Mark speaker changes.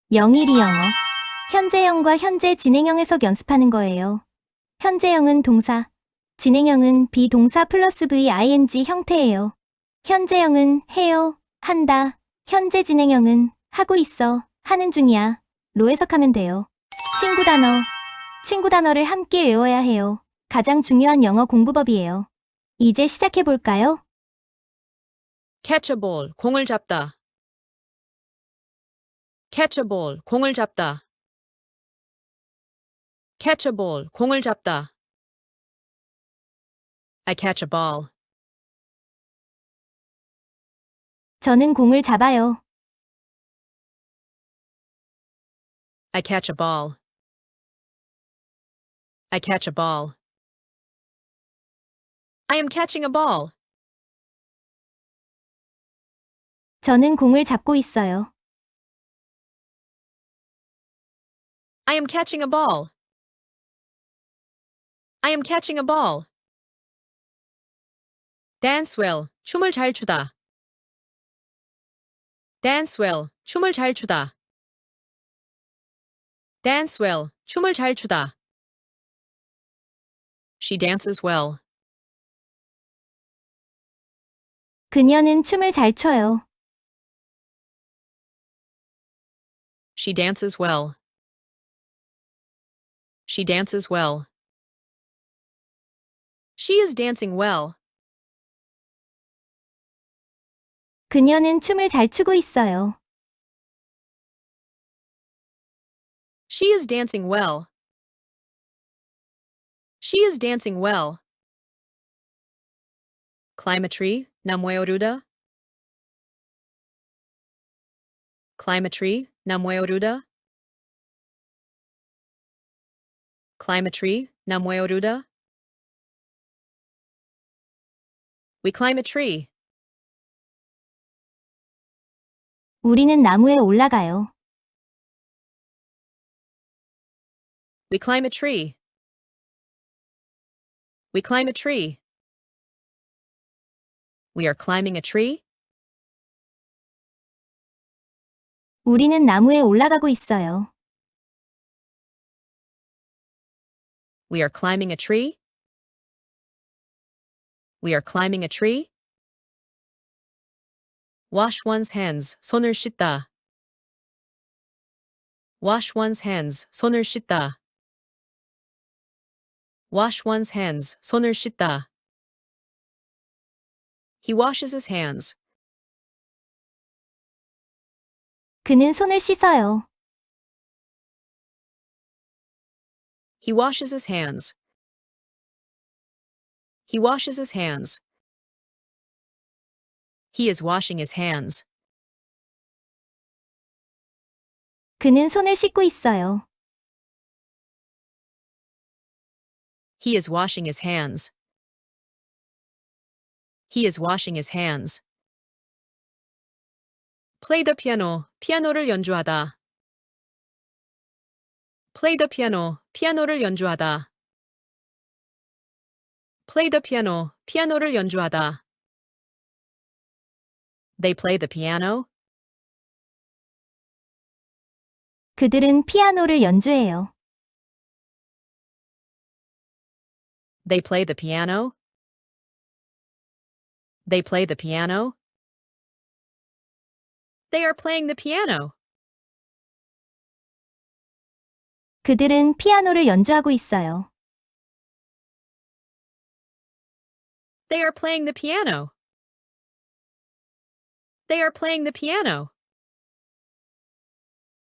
Speaker 1: 영일이 영어. 현재형과 현재 진행형 해석 연습하는 거예요. 현재형은 동사, 진행형은 비동사 플러스 VING 형태예요. 현재형은 해요, 한다. 현재 진행형은 하고 있어, 하는 중이야. 로 해석하면 돼요. 친구 단어. 친구 단어를 함께 외워야 해요. 가장 중요한 영어 공부법이에요. 이제 시작해 볼까요?
Speaker 2: catch a ball, 공을 잡다. catch a ball, 공을 잡다. catch a ball, 공을 잡다. I catch a ball.
Speaker 1: 저는 공을 잡아요.
Speaker 2: I catch a ball. I catch a ball. I am catching a ball.
Speaker 1: 저는 공을 잡고 있어요.
Speaker 2: I am catching a ball. I am catching a ball. dance well, 춤을 잘 추다. dance well, 춤을 잘 추다. dance well, 춤을 잘 추다. She dances well.
Speaker 1: 그녀는 춤을 잘 춰요.
Speaker 2: She dances well. She dances well. She is dancing well.
Speaker 1: 그녀는 춤을 잘 추고 있어요.
Speaker 2: She is dancing well. She is dancing well. Climb a tree, 나무에 오르다. Climb a tree, 나무에 오르다. Climb a tree, 나무에 오르다. We climb a tree.
Speaker 1: 우리는 나무에 올라가요.
Speaker 2: We climb a tree. We climb a tree. We are climbing a tree.
Speaker 1: 우리는 나무에 올라가고 있어요.
Speaker 2: We are climbing a tree. We are climbing a tree. Wash one's hands, 손을 씻다. Wash one's hands, 손을 씻다. Wash one's hands, 손을 씻다. He washes his hands.
Speaker 1: 그는 손을 씻어요.
Speaker 2: He washes his hands. He washes his hands. He is washing his hands.
Speaker 1: 그는 손을 씻고 있어요.
Speaker 2: He is washing his hands. He is washing his hands. Play the piano, 피아노를 연주하다. Play the piano, 피아노를 연주하다. Play the piano, 피아노를 연주하다. They play the piano.
Speaker 1: 그들은 피아노를 연주해요.
Speaker 2: They play the piano. They play the piano. They are playing the piano.
Speaker 1: 그들은 피아노를 연주하고 있어요.
Speaker 2: They are playing the piano. They are playing the piano.